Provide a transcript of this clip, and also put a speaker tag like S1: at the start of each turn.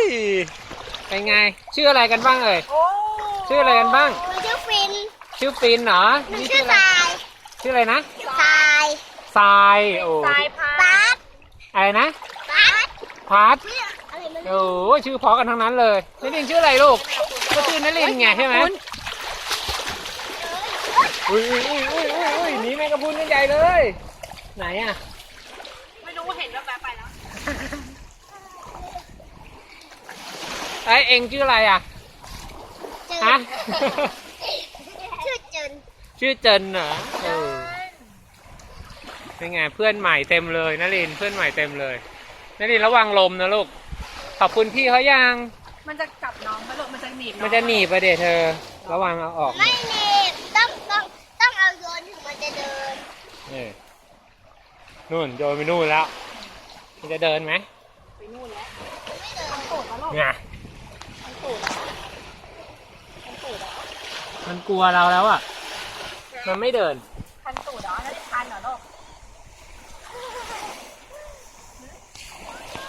S1: เป็นไงชื่ออะไรกันบ้างเอ่ยชื่ออะไรกันบ้าง
S2: ชื่อฟิน
S1: ชื่อฟินเหรอ
S2: นี่ชื่อทราย
S1: ชื่ออะไรนะ
S2: ทราย
S1: ทรายโอ้
S2: ทรายพัด
S1: อะไรนะพัดโอ้ชื่อพอกันทั้งนั้นเลยนลินชื่ออะไรลูกก็ชื่อนลินไงใช่ไหมอุ้ยหนีแมงกะพรุนกันใหญ่เลยไหนอ่ะ
S3: ไม่รู้เห็นแล้วไปแล้ว
S1: ไอเอ็งชื่ออะไรอ่ะฮะ
S2: ชื่อเจน
S1: ชื่อเจนเหรอเป็นไงเพื่อนใหม่เต็มเลยนลินเพื่อนใหม่เต็มเลยนลินระวังลมนะลูกขอบคุณพี่เขายัง
S3: มันจะจับน้องไหมลูกมันจะหนีบ
S1: มันจะหนีบไปเดี๋ยวเธอระวังเอาออก
S2: ไม่หนีบต้องเอาโยนถึงมันจะเดิน
S1: นี่นู่นโยนไปนู่นแล้วมันจะเดินไหม
S3: ไปนู่นแล้ว
S2: ไม่เดิน
S3: มันตูดแล้วลูก
S1: เนี่ย
S3: มันตูด
S1: มันกลัวเราแล้วอ่ะมันไม่เดิน
S3: คันตูดเหรอแล้วได้คันเหรอลูก